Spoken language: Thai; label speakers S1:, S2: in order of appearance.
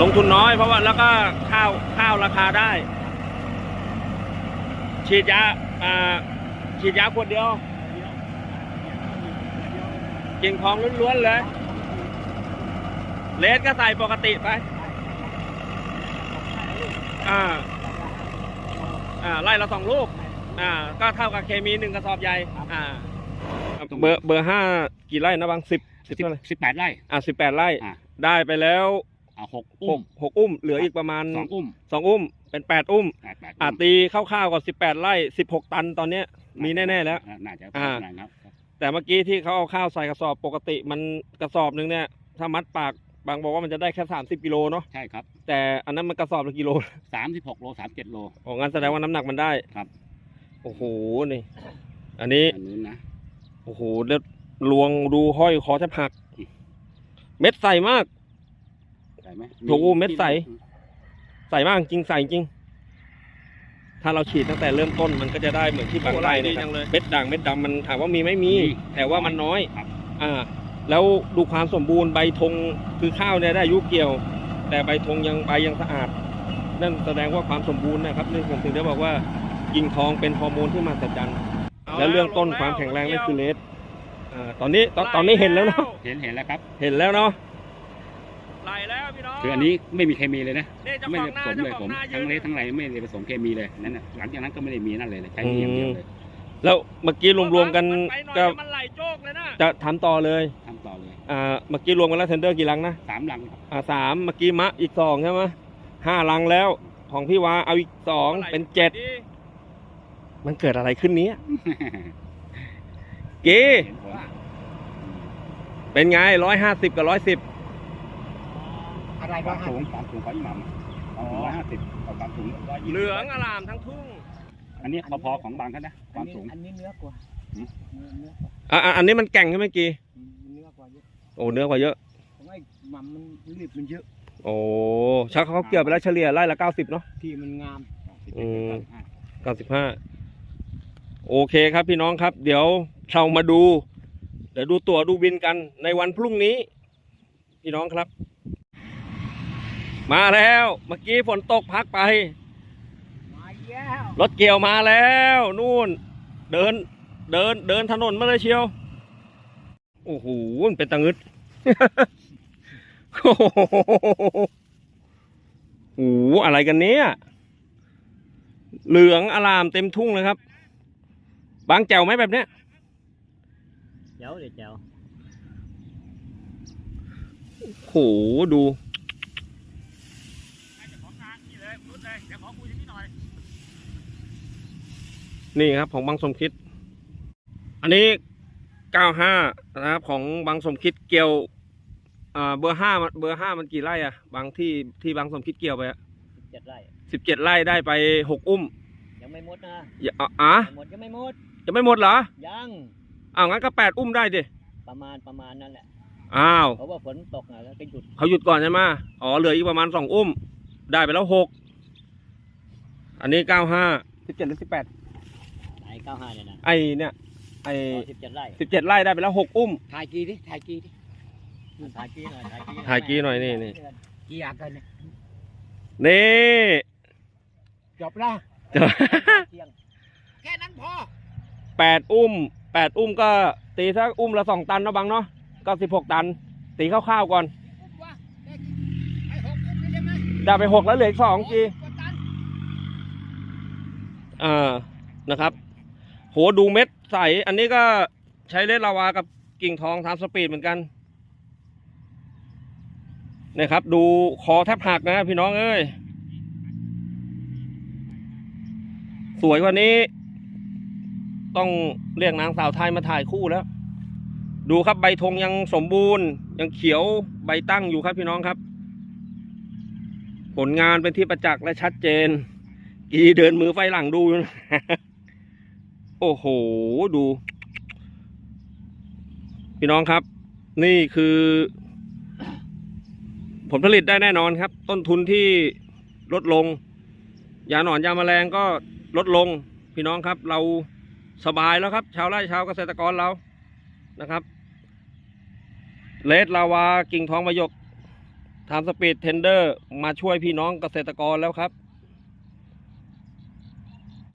S1: ลงทุนน้อยเพราะว่าแล้วก็ข้าวราคาได้ฉีดยาขวดเดียวกิ่งทองล้วนๆเลยเลสก็ใส่ปกติไปไล่ละ2 ลูกก็เท่ากับเคมี1 กระสอบใหญ่เบอร์ 5กี่ไร่นะบาง18 ไร่18 ไร่ได้ไปแล้ว6 อุ้มเหลืออีกประมาณ2 อุ้มเป็น8 อุ้มตีคร่าวๆกับ18 ไร่16 ตันตอนนี้มีแน่ๆแล้ว
S2: น่าจะครับ
S1: แต่เมื่อกี้ที่เขาเอาข้าวใส่กระสอบปกติมันกระสอบนึงเนี่ยถ้ามัดปากบางบอกว่ามันจะได้แค่30 กิโลเนาะ
S2: ใช่ครับ
S1: แต่อันนั้นมันกระสอบละกิโล
S2: 36 โล37 โล
S1: งั้นแสดงว่าน้ำหนักมันได้
S2: ครับ
S1: โอ้โหนี่อันนี้
S2: นะ
S1: โอ้โหเลือดลวงดูห้อยคอแทบหักเม็ดใสมาก
S2: ใส่ไหม
S1: โอ้โหเม็ดใสมากจริงใสจริงถ้าเราฉีดตั้งแต่เริ่มต้นมันก็จะได้เหมือนที่บางไร่เนี่ยเม็ดด่างเม็ดดำมันถามว่ามีไม่มีแต่ว่ามันน้อยแล้วดูความสมบูรณ์ใบธงคือข้าวเนี่ยได้อายุเกี่ยวแต่ใบธงใบยังสะอาดนั่นแสดงว่าความสมบูรณ์นะครับนี่ผมถึงได้บอกว่ากิ่งทองเป็นฮอร์โมนที่มหัศจรรย์แล้วเรื่องต้นความแข็งแรงนั่นคือเลสตอนนี้เห็นแล้วเนาะ
S2: เห็นแล้วครับ
S1: เห็นแล้วเนาะไหลแล้วพี่น้อง
S2: คืออันนี้ไม่มีเคมีเลยนะไม่ได้ผสมเลยผมทั้งเลสทั้งไรไม่ได้ผสมเคมีเลยนั่นน่ะหลังจากนั้นก็ไม่ได้มีนั่นเลยใช้อย่างเดียวเลย
S1: แล้วเมื่อกี้รวมๆกันก็
S3: มันไหลโจกเลยนะ
S1: จะทำต่อเลยเมื่อกี้รวมกันแล้วเทนเดอร์กี่ลังนะ
S2: 3 ลัง
S1: 3เมื่อกี้มะอีก2ใช่ไหม5 ลังแล้วของพี่วาเอาอีก2เป็น7มันเกิดอะไรขึ้นนี้กีเป็นไง150กับ110
S2: อะไรบ้างความสูงของอีหม่ำ150กับความสูง
S1: เหลืองอลามทั้งทุ่ง
S2: อันนี้พอของบางเขานะความสูง
S3: อันนี้เนื้อกว่า
S1: อันนี้มันแก่งใช่ไหมกี
S3: เนื้อกว่าเยอะ
S1: โอ้เนื้อกว่าเยอะ
S3: ของไอ้หม่ำมันรีบมันเยอะ
S1: โอ้ชักเขาเกี่ยวไปแล้วเฉลี่ยไร่ละ90เนาะ
S3: ที่มันงาม
S1: 95โอเคครับพี่น้องครับเดี๋ยวเรามาดูตั๋วดูบินกันในวันพรุ่งนี้พี่น้องครับมาแล้วเมื่อกี้ฝนตกพักไปรถเกี่ยวมาแล้วนู่นเดินถนนมาเลยเชียวโอ้โหเป็นตะงึดโอ้โหอะไรกันเนี้ยเหลืองอลามเต็มทุ่งเลยครับบางแจวไหมแบบเนี้ย
S3: เจ๋ว
S1: โหดูนี่ครับของบางสมคิดอันนี้95นะครับของบางสมคิดเกี่ยวเบอร์5มันกี่ไร่อะบางที่บางสมคิดเกี่ยวไป
S3: 17 ไร่
S1: 17 ไร่ได้ไป6 อุ้ม
S3: ยังไม่หมดนะยังไม่ห
S1: มดเหรอ
S3: ยัง
S1: งั้นก็8 อุ้มได้ดิ
S3: ประมาณนั่นแหละเพราะว่าฝนตกแล้วก็หยุด
S1: เขาหยุดก่อนใช่ไหมเหลืออีกประมาณ2 อุ้มได้ไปแล้ว6อันนี้95 17หรือ18
S3: ไอ้95เนี่ยนะ
S1: เนี่ย
S3: 17 ไร่
S1: 17 ไร่ได้ไปแล้ว6 อุ้ม
S3: ถ่ายกีหน่อย
S1: ถ่ายกีหน่อยนี่
S3: กีอยากกัน
S1: นี่
S3: จบแล้วแค่นั้นพอ
S1: 8 อุ้มก็ตีสักอุ้มละ2 ตันนะบังเนาะก็16 ตันตีคร่าวๆก่อนได้ไป6แล้วเหลืออีก2กีนะครับโหดูเม็ดใสอันนี้ก็ใช้เลสลาวากับกิ่งทองทำสปีดเหมือนกันนะครับดูคอแทบหักนะพี่น้องเอ้ยสวยกว่านี้ต้องเรียกนางสาวไทยมาถ่ายคู่แล้วดูครับใบธงยังสมบูรณ์ยังเขียวใบตั้งอยู่ครับพี่น้องครับผลงานเป็นที่ประจักษ์และชัดเจนกีเดินมือไฟหลังดู โอ้โหดูพี่น้องครับนี่คือผลผลิตได้แน่นอนครับต้นทุนที่ลดลงยาหนอนยาแมลงก็ลดลงพี่น้องครับเราสบายแล้วครับชาวไร่ชาวเกษตรกรเรานะครับเลสลาวากิ่งทองประยกทำสปีดเทนเดอร์มาช่วยพี่น้องเกษตรกรแล้วครับ